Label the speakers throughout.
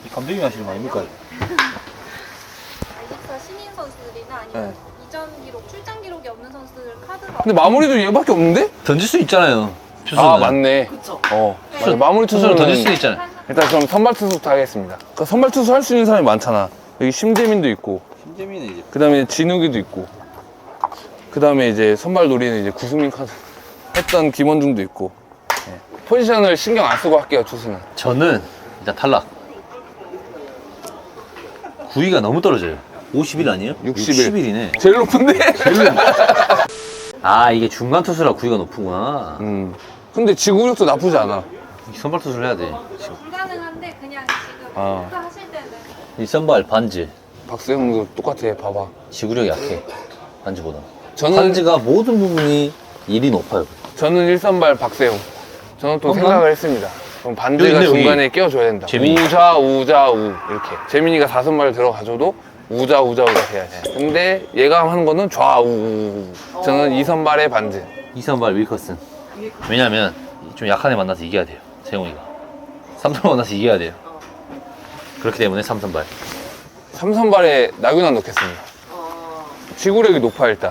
Speaker 1: 감독님이 하시는 거 아닙니까?
Speaker 2: 24 신인 선수들이나 아니면 이전 기록, 출장 기록이 없는 선수들 카드가
Speaker 3: 근데 마무리도 얘밖에 없는데?
Speaker 1: 던질 수 있잖아요. 투수는.
Speaker 3: 아 맞네.
Speaker 2: 그쵸.
Speaker 3: 맞아. 마무리
Speaker 1: 투수는
Speaker 3: 투수는
Speaker 1: 던질 수 있잖아요.
Speaker 3: 일단 그럼 선발 투수부터 하겠습니다. 그러니까 선발 투수 할 수 있는 사람이 많잖아. 여기 심재민도 있고,
Speaker 1: 신재민은 이제
Speaker 3: 그 다음에 진욱이도 있고, 그 다음에 이제 선발 노리는 이제 구수민 카드 했던 김원중도 있고. 네. 포지션을 신경 안 쓰고 할게요, 투수는.
Speaker 1: 저는 일단 탈락. 9위가 너무 떨어져요. 50일 아니에요?
Speaker 3: 60일.
Speaker 1: 60일이네.
Speaker 3: 제일 높은데?
Speaker 1: 아, 이게 중간 투수라 9위가 높구나.
Speaker 3: 근데 지구력도 나쁘지 않아.
Speaker 1: 선발 투수를 해야 돼. 지금.
Speaker 2: 불가능한데 그냥 지금
Speaker 3: 아.
Speaker 2: 목표 하실 때는
Speaker 1: 이 선발 반지.
Speaker 3: 박세웅도 똑같아, 봐봐.
Speaker 1: 지구력이 약해. 반지보다.
Speaker 3: 저는,
Speaker 1: 반지가 모든 부분이 일이 높아요.
Speaker 3: 저는 1선발 박세웅. 저는 또
Speaker 1: 그런가?
Speaker 3: 생각을 했습니다. 그럼 반대가
Speaker 1: 여기 있네, 여기.
Speaker 3: 중간에 끼워줘야 된다.
Speaker 1: 재민이.
Speaker 3: 우자, 우자, 우. 이렇게. 재민이가 4선발 들어가줘도 우자, 우자, 우자 해야 돼. 근데 얘가 하는 거는 좌우, 우. 저는 2선발의 반지.
Speaker 1: 2선발 윌커슨. 왜냐면 좀 약한 애 만나서 이겨야 돼요. 세용이가. 3선발 만나서 이겨야 돼요. 그렇기 때문에 3선발.
Speaker 3: 3선발에 나균환 넣겠습니다. 지구력이 높아, 일단.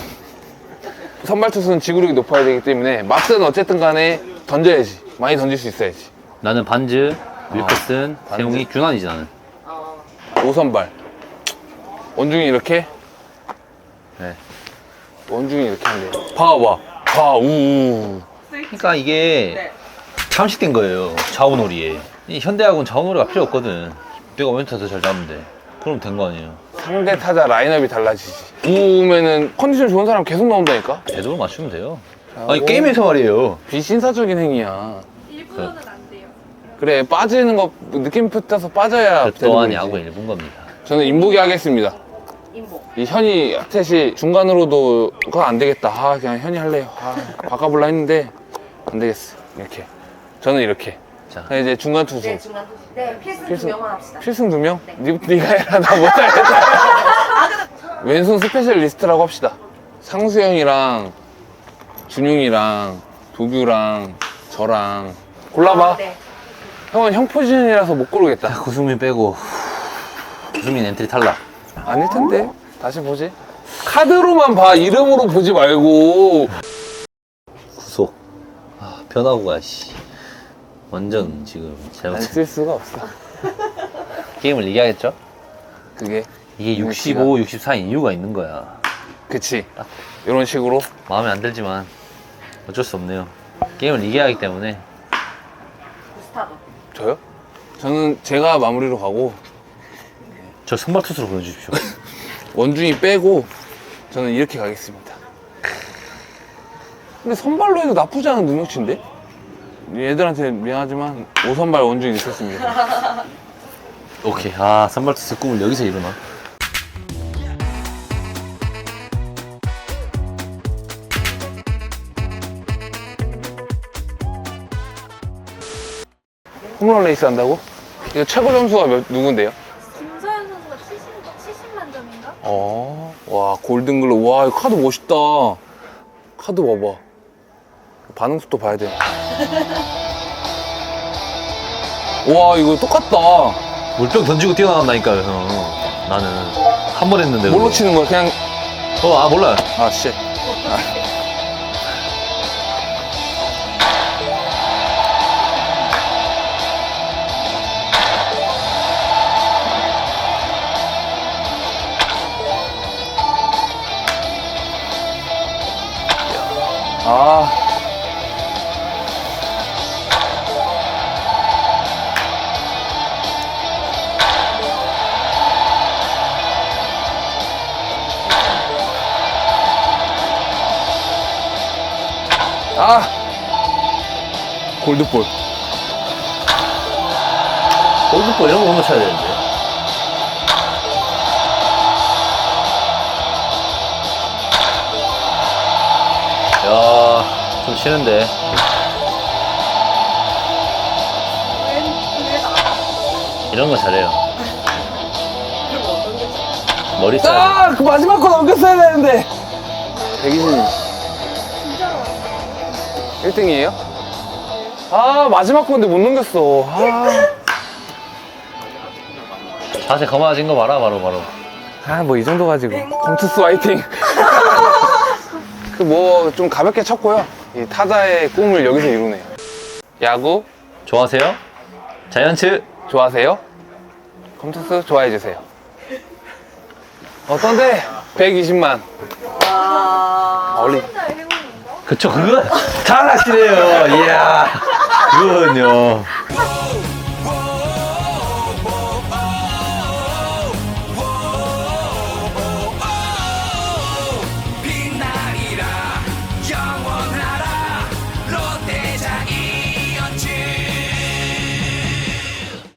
Speaker 3: 선발 투수는 지구력이 높아야 되기 때문에 막스는 어쨌든 간에 던져야지. 많이 던질 수 있어야지.
Speaker 1: 나는 반즈, 윌커슨,
Speaker 3: 반즈.
Speaker 1: 세용이, 균환이지 나는.
Speaker 3: 5선발. 원중이 이렇게?
Speaker 1: 네.
Speaker 3: 원중이 이렇게 한대. 봐봐. 좌우.
Speaker 1: 그러니까 이게 잠식된 거예요. 좌우놀이에. 이 현대하고는 좌우놀이가 필요 없거든. 내가 왼쪽 더 잘 잡으면 돼. 그럼 된 거 아니에요.
Speaker 3: 상대 타자 라인업이 달라지지. 우우면은 컨디션 좋은 사람 계속 나온다니까?
Speaker 1: 제대로 맞추면 돼요.
Speaker 3: 자,
Speaker 1: 아니 게임에서 말이에요.
Speaker 3: 비신사적인 행위야.
Speaker 2: 일부러는 안 돼요.
Speaker 3: 그래, 빠지는 거 느낌 붙어서 빠져야
Speaker 1: 그 또한
Speaker 3: 되는
Speaker 1: 야구
Speaker 3: 거지.
Speaker 1: 일본 겁니다.
Speaker 3: 저는 인보기 하겠습니다.
Speaker 2: 인복.
Speaker 3: 이 현이 탓이 중간으로도 그거 안 되겠다. 아, 그냥 현이 할래요. 아, 바꿔볼라 했는데 안 되겠어. 이렇게. 저는 이렇게.
Speaker 1: 자,
Speaker 3: 자, 이제 중간 투수.
Speaker 4: 네, 중간 투수. 네, 필승 두
Speaker 3: 필승.
Speaker 4: 명만 합시다.
Speaker 3: 필승 2명? 네가 해라. 나 못하겠다. 왼손 스페셜리스트라고 합시다. 상수형이랑 준용이랑 도규랑 저랑 골라봐.
Speaker 4: 네.
Speaker 3: 형은 형 포지션이라서 못 고르겠다.
Speaker 1: 구승민 빼고 구승민 엔트리 탈락.
Speaker 3: 아닐 텐데. 다시 보지. 카드로만 봐. 이름으로 보지 말고.
Speaker 1: 구속. 아, 변화구가 씨. 완전 지금
Speaker 3: 안
Speaker 1: 잘못.
Speaker 3: 쓸 수가 없어.
Speaker 1: 게임을 이겨야겠죠?
Speaker 3: 그게.
Speaker 1: 이게 65, 64인 이유가 있는 거야.
Speaker 3: 그치. 이런 식으로.
Speaker 1: 마음에 안 들지만 어쩔 수 없네요. 게임을 이겨야 하기 때문에.
Speaker 4: 구스타도.
Speaker 3: 저요? 저는 제가 마무리로 가고
Speaker 1: 저 선발 투수로 보내주십시오.
Speaker 3: 원중이 빼고 저는 이렇게 가겠습니다. 근데 선발로 해도 나쁘지 않은 능력치인데? 얘들한테 미안하지만 5선발 원중이 있었습니다.
Speaker 1: 오케이. 아, 선발 투수 꿈을 여기서 이루나?
Speaker 3: 홈런 레이스 한다고? 이거 최고 점수가 누군데요?
Speaker 2: 김서현 선수가 70만 점인가?
Speaker 3: 와, 골든글로. 와, 이거 카드 멋있다. 카드 봐봐. 반응 속도 봐야 돼. 와, 이거 똑같다.
Speaker 1: 물병 던지고 뛰어나간다니까요, 형. 나는 한 번 했는데.
Speaker 3: 뭘로
Speaker 1: 그거.
Speaker 3: 치는 거야? 그냥.
Speaker 1: 몰라요.
Speaker 3: 아, 씨. 아. 아. 골드볼.
Speaker 1: 골드볼 이런 거 못 쳐야 되는데. 야, 좀 치는데. 이런 거 잘해요. 머리 쏴야
Speaker 3: 아, 그 마지막 거 넘겼어야 되는데. 백이진님.
Speaker 2: 진짜로
Speaker 3: 1등이에요? 아, 마지막 건데 못 넘겼어. 아.
Speaker 1: 자세 거만해진 거 봐라, 바로.
Speaker 3: 아, 뭐 이 정도 가지고. 컴투스 화이팅! 그 뭐 좀 가볍게 쳤고요. 이 타자의 꿈을 여기서 이루네요. 야구
Speaker 1: 좋아하세요? 자이언츠?
Speaker 3: 좋아하세요? 컴투스 좋아해주세요. 어떤데? 120만. 어리.
Speaker 1: 그쵸, 그거 잘하시네요. 이야, 그거는요.